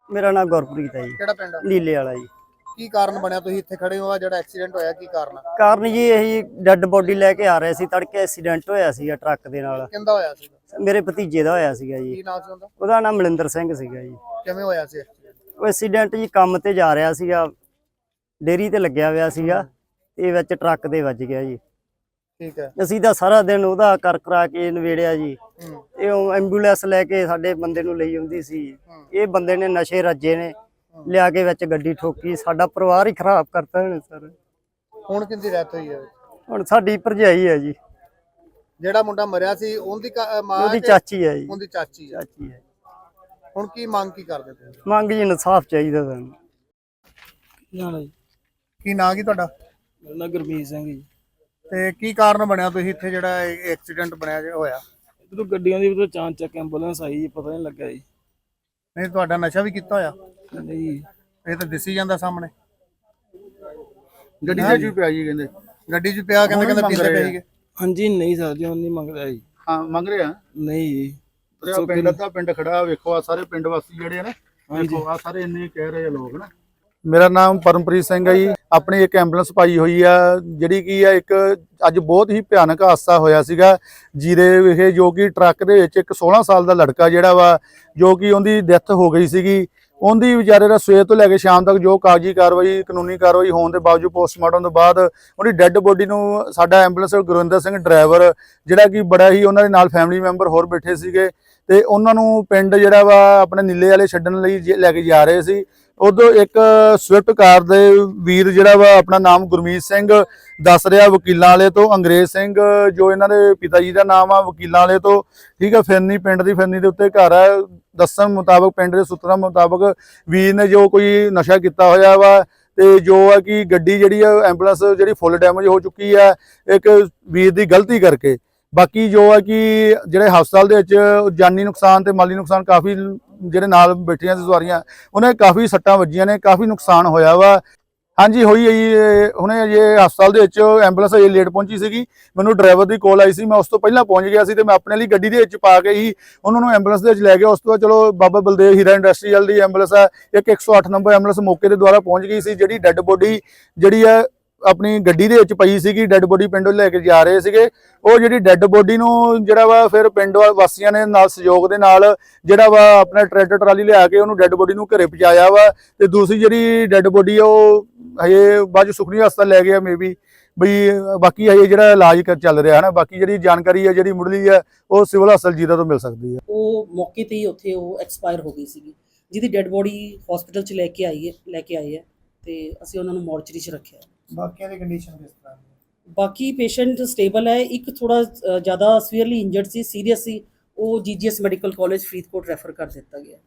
ਮੇਰਾ ਨਾਮ ਗੁਰਪ੍ਰੀਤ ਹੈ ਜੀ। ਕਿਹੜਾ ਪਿੰਡ ਆ? ਨੀਲੇ ਵਾਲਾ ਜੀ। ਕੀ ਕਾਰਨ ਬਣਿਆ ਤੁਸੀਂ ਇੱਥੇ ਖੜੇ ਹੋ? ਆ ਜਿਹੜਾ ਐਕਸੀਡੈਂਟ ਹੋਇਆ ਕੀ ਕਾਰਨ ਆ? ਕਾਰਨ ਜੀ ਇਹੀ ਡੈੱਡ ਬੋਡੀ ਲੈ ਕੇ ਆ ਰਹੇ ਸੀ, ਤੜਕੇ ਐਕਸੀਡੈਂਟ ਹੋਇਆ ਸੀਗਾ ਟਰੱਕ ਦੇ ਨਾਲ। ਕਿੰਦਾ ਹੋਇਆ ਸੀ? ਮੇਰੇ ਭਤੀਜੇ ਦਾ ਹੋਇਆ ਸੀਗਾ ਜੀ। ਕੀ ਨਾਮ ਸੀ ਉਹਦਾ? ਉਹਦਾ ਨਾਮ ਮਲਿੰਦਰ ਸਿੰਘ ਸੀਗਾ ਜੀ। ਕਿਵੇਂ ਹੋਇਆ ਸੀ accident? ਉਹ ਐਕਸੀਡੈਂਟ ਜੀ ਕੰਮ ਤੇ ਜਾ ਰਿਹਾ ਸੀਗਾ, ਡੇਅਰੀ ਤੇ ਲੱਗਿਆ ਹੋਇਆ ਸੀਗਾ, ਇਹ ਵਿੱਚ ਟਰੱਕ ਦੇ ਵੱਜ ਗਿਆ ਜੀ। ਠੀਕ ਹੈ। ਅਸੀਂ ਤਾਂ ਸਾਰਾ ਦਿਨ ਉਹਦਾ ਕਰ ਕਰਾ ਕੇ ਨਵੇੜਿਆ ਜੀ। ਇਹ ਐਂਬੂਲੈਂਸ ਲੈ ਕੇ ਸਾਡੇ ਬੰਦੇ ਨੂੰ ਲਈ ਆਉਂਦੀ ਸੀ। ਇਹ ਬੰਦੇ ਨੇ ਨਸ਼ੇ ਰੱਜੇ ਨੇ, ਲਿਆ ਕੇ ਵਿੱਚ ਗੱਡੀ ਠੋਕੀ, ਸਾਡਾ ਪਰਿਵਾਰ ਹੀ ਖਰਾਬ ਕਰਤਾ ਇਹਨੇ ਸਰ। ਹੁਣ ਕਿੰਦੀ ਡੈਥ ਹੋਈ ਹੈ? ਹੁਣ ਸਾਡੀ ਭਰਜਾਈ ਹੈ ਜੀ। ਜਿਹੜਾ ਮੁੰਡਾ ਮਰਿਆ ਸੀ ਉਹਦੀ ਮਾਂ ਉਹਦੀ ਚਾਚੀ ਹੈ ਜੀ। ਉਹਦੀ ਚਾਚੀ ਹੈ। ਚਾਚੀ ਹੈ। ਹੁਣ ਕੀ ਮੰਗ ਕੀ ਕਰਦੇ ਤੁਸੀਂ? ਮੰਗ ਜੀ ਇਨਸਾਫ ਚਾਹੀਦਾ ਸਾਨੂੰ। ਕੀ ਨਾਂ ਕੀ ਤੁਹਾਡਾ? ਮੇਰਾ ਨਾਮ ਗੁਰਮੀਤ ਸਿੰਘ ਜੀ। ਤੇ ਕੀ ਕਾਰਨ ਬਣਿਆ ਤੁਸੀਂ ਇੱਥੇ ਜਿਹੜਾ ਐਕਸੀਡੈਂਟ ਬਣਿਆ ਹੋਇਆ? ਜਦੋਂ ਗੱਡੀਆਂ ਦੀ ਉਦੋਂ ਚਾਂਚ ਚੱਕ ਐਂਬੂਲੈਂਸ ਆਈ ਜੀ, ਪਤਾ ਨਹੀਂ ਲੱਗਾ ਜੀ। ਨਹੀਂ ਤੁਹਾਡਾ ਨਸ਼ਾ ਵੀ ਕੀਤਾ ਹੋਇਆ? ਨਹੀਂ ਇਹ ਤਾਂ ਦਿਸੀ ਜਾਂਦਾ ਸਾਹਮਣੇ। ਗੱਡੀ ਦੇ ਚ ਪਿਆ ਜੀ ਕਹਿੰਦੇ। ਗੱਡੀ 'ਚ ਪਿਆ ਕਹਿੰਦੇ ਪੀਂਦੇ ਪਏ ਸੀਗੇ। ਹਾਂਜੀ ਨਹੀਂ ਸਰ ਜੀ, ਉਹ ਨਹੀਂ ਮੰਗਦਾ ਜੀ। ਹਾਂ ਮੰਗ ਰਿਹਾ। ਨਹੀਂ ਜੀ ਪਿੰਡ ਦਾ ਪਿੰਡ ਖੜਾ ਵੇਖੋ, ਆ ਸਾਰੇ ਪਿੰਡ ਵਾਸੀ ਜਿਹੜੇ ਨੇ ਵੇਖੋ, ਆ ਸਾਰੇ ਇੰਨੇ ਕਹਿ ਰਹੇ ਆ ਲੋਕ ਨਾ। ਮੇਰਾ ਨਾਮ ਪਰਮਪ੍ਰੀਤ ਸਿੰਘ ਹੈ ਜੀ। ਆਪਣੀ ਇੱਕ ਐਂਬੂਲੈਂਸ ਪਾਈ ਹੋਈ ਆ, ਜਿਹੜੀ ਕੀ ਆ ਇੱਕ ਅੱਜ ਬਹੁਤ ਹੀ ਭਿਆਨਕ ਹਾਦਸਾ ਹੋਇਆ ਸੀਗਾ ਜੀਰੇ ਵਿਖੇ, ਜੋ ਕਿ ਟਰੱਕ ਦੇ ਵਿੱਚ ਇੱਕ 16 ਸਾਲ ਦਾ ਲੜਕਾ ਜਿਹੜਾ ਵਾ, ਜੋ ਕਿ ਉਹਦੀ ਡੈਥ ਹੋ ਗਈ ਸੀਗੀ। ਉਹਦੀ ਵਿਚਾਰੇ ਦਾ ਸਵੇਰ ਤੋਂ ਲੈ ਕੇ ਸ਼ਾਮ ਤੱਕ ਜੋ ਕਾਗਜ਼ੀ ਕਾਰਵਾਈ ਕਾਨੂੰਨੀ ਕਾਰਵਾਈ ਹੋਣ ਦੇ ਬਾਵਜੂਦ ਪੋਸਟਮਾਰਟਮ ਤੋਂ ਬਾਅਦ ਉਹਦੀ ਡੈੱਡ ਬੋਡੀ ਨੂੰ ਸਾਡਾ ਐਂਬੂਲੈਂਸ ਗੁਰਵਿੰਦਰ ਸਿੰਘ ਡਰਾਈਵਰ, ਜਿਹੜਾ ਕਿ ਬੜਾ ਹੀ ਉਹਨਾਂ ਦੇ ਨਾਲ ਫੈਮਿਲੀ ਮੈਂਬਰ ਹੋਰ ਬੈਠੇ ਸੀਗੇ, ਤੇ ਉਹਨਾਂ ਨੂੰ ਪਿੰਡ ਜਿਹੜਾ ਵਾ ਆਪਣੇ ਨੀਲੇ ਵਾਲੇ ਛੱਡਣ ਲਈ ਲੈ ਕੇ ਜਾ ਰਹੇ ਸੀ। ਉਦੋਂ ਇੱਕ ਸਵਿਫਟ ਕਾਰ ਦੇ ਵੀਰ ਜਿਹੜਾ ਵਾ, ਆਪਣਾ ਨਾਮ ਗੁਰਮੀਤ ਸਿੰਘ ਦੱਸ ਰਿਹਾ, ਵਕੀਲਾਂ ਵਾਲੇ ਤੋਂ, ਅੰਗਰੇਜ਼ ਸਿੰਘ ਜੋ ਇਹਨਾਂ ਦੇ ਪਿਤਾ ਜੀ ਦਾ ਨਾਮ ਆ, ਵਕੀਲਾਂ ਵਾਲੇ ਤੋਂ, ਠੀਕ ਹੈ। ਫਿਰਨੀ ਪਿੰਡ ਦੀ ਫਿਰਨੀ ਦੇ ਉੱਤੇ ਘਰ ਆ। ਦੱਸਣ ਮੁਤਾਬਕ, ਪਿੰਡ ਦੇ ਸੂਤਰਾਂ ਮੁਤਾਬਕ, ਵੀਰ ਨੇ ਜੋ ਕੋਈ ਨਸ਼ਾ ਕੀਤਾ ਹੋਇਆ ਵਾ, ਤੇ ਜੋ ਆ ਕਿ ਗੱਡੀ ਜਿਹੜੀ ਆ ਐਂਬੂਲੈਂਸ ਜਿਹੜੀ ਫੁੱਲ ਡੈਮੇਜ ਹੋ ਚੁੱਕੀ ਆ ਇੱਕ ਵੀਰ ਦੀ ਗਲਤੀ ਕਰਕੇ। ਬਾਕੀ ਜੋ ਆ ਕਿ ਜਿਹੜੇ ਹਸਪਤਾਲ ਦੇ ਵਿੱਚ ਜਾਨੀ ਨੁਕਸਾਨ ਤੇ ਮਾਲੀ ਨੁਕਸਾਨ ਕਾਫੀ, ਜਿਹੜੇ ਨਾਲ ਬੈਠੀਆਂ ਸੀ ਸਵਾਰੀਆਂ, ਉਹਨੇ ਕਾਫੀ ਸੱਟਾਂ ਵੱਜੀਆਂ ਨੇ, ਕਾਫੀ ਨੁਕਸਾਨ ਹੋਇਆ ਵਾ। ਹਾਂਜੀ ਹੋਈ ਹੈ ਜੀ। ਹੁਣੇ ਜੇ ਹਸਪਤਾਲ ਦੇ ਵਿੱਚ ਐਂਬੂਲੈਂਸ ਅਜੇ ਲੇਟ ਪਹੁੰਚੀ ਸੀਗੀ, ਮੈਨੂੰ ਡਰਾਈਵਰ ਦੀ ਕਾਲ ਆਈ ਸੀ, ਮੈਂ ਉਸ ਤੋਂ ਪਹਿਲਾਂ ਪਹੁੰਚ ਗਿਆ ਸੀ, ਤੇ ਮੈਂ ਆਪਣੇ ਲਈ ਗੱਡੀ ਦੇ ਵਿੱਚ ਪਾ ਕੇ ਹੀ ਉਹਨਾਂ ਨੂੰ ਐਂਬੂਲੈਂਸ ਦੇ ਵਿੱਚ ਲੈ ਗਿਆ। ਉਸ ਤੋਂ ਬਾਅਦ ਚਲੋ ਬਾਬਾ ਬਲਦੇਵ ਹੀਰਾ ਇੰਡਸਟਰੀਅਲ ਦੀ ਐਂਬੂਲੈਂਸ ਆ, ਇੱਕ 108 ਨੰਬਰ ਐਂਬੂਲੈਂਸ ਮੌਕੇ ਦੇ ਦੁਆਰਾ ਪਹੁੰਚ ਗਈ ਸੀ। ਜਿਹੜੀ ਡੈੱਡ ਬੋਡੀ ਜਿਹੜੀ ਆ ਆਪਣੀ ਗੱਡੀ ਦੇ ਵਿੱਚ ਪਈ ਸੀਗੀ, ਡੈੱਡ ਬੋਡੀ ਪਿੰਡੋਂ ਲੈ ਕੇ ਜਾ ਰਹੇ ਸੀਗੇ, ਉਹ ਜਿਹੜੀ ਡੈੱਡ ਬੋਡੀ ਨੂੰ ਜਿਹੜਾ ਵਾ ਫਿਰ ਪਿੰਡ ਵਾਸੀਆਂ ਨੇ ਨਾਲ ਸਹਿਯੋਗ ਦੇ ਨਾਲ ਜਿਹੜਾ ਵਾ ਆਪਣਾ ਟਰੈਕਟਰ ਟਰਾਲੀ ਲਿਆ ਕੇ ਉਹਨੂੰ ਡੈੱਡ ਬੋਡੀ ਨੂੰ ਘਰੇ ਪਹੁੰਚਾਇਆ ਵਾ। ਤੇ ਦੂਸਰੀ ਜਿਹੜੀ ਡੈੱਡ ਬੋਡੀ ਆ ਉਹ ਹਜੇ ਬਾਅਦ ਸੁਖਨੀ ਹਸਪਤਾਲ ਲੈ ਗਿਆ ਮੇਬੀ ਬਈ, ਬਾਕੀ ਹਜੇ ਜਿਹੜਾ ਇਲਾਜ ਚੱਲ ਰਿਹਾ ਹੈ ਨਾ। ਬਾਕੀ ਜਿਹੜੀ ਜਾਣਕਾਰੀ ਹੈ ਜਿਹੜੀ ਮੁੱਢਲੀ ਹੈ ਉਹ ਸਿਵਲ ਹਸਪਤਾਲ ਜੀਰਾ ਤੋਂ ਮਿਲ ਸਕਦੀ ਹੈ। ਉਹ ਮੌਕੇ ਤੇ ਹੀ ਉੱਥੇ ਉਹ ਐਕਸਪਾਇਰ ਹੋ ਗਈ ਸੀਗੀ, ਜਿਹਦੀ ਡੈੱਡ ਬੋਡੀ ਹਸਪੀਟਲ 'ਚ ਲੈ ਕੇ ਆਈ ਹੈ ਤੇ ਅਸੀਂ ਉਹਨਾਂ ਨੂੰ ਮੋਰਚਰੀ 'ਚ ਰੱਖਿਆ। ਬਾਕੀਆਂ ਦੀ ਕੰਡੀਸ਼ਨ ਕਿਸ ਤਰ੍ਹਾਂ? ਬਾਕੀ ਪੇਸ਼ੈਂਟ ਸਟੇਬਲ ਹੈ, ਇੱਕ ਥੋੜਾ ਜ਼ਿਆਦਾ ਸੀਵੀਅਰਲੀ ਇੰਜਰਡ ਸੀ, ਸੀਰੀਅਸ ਸੀ, ਉਹ GGS medical college Faridkot refer ਕਰ ਦਿੱਤਾ ਗਿਆ।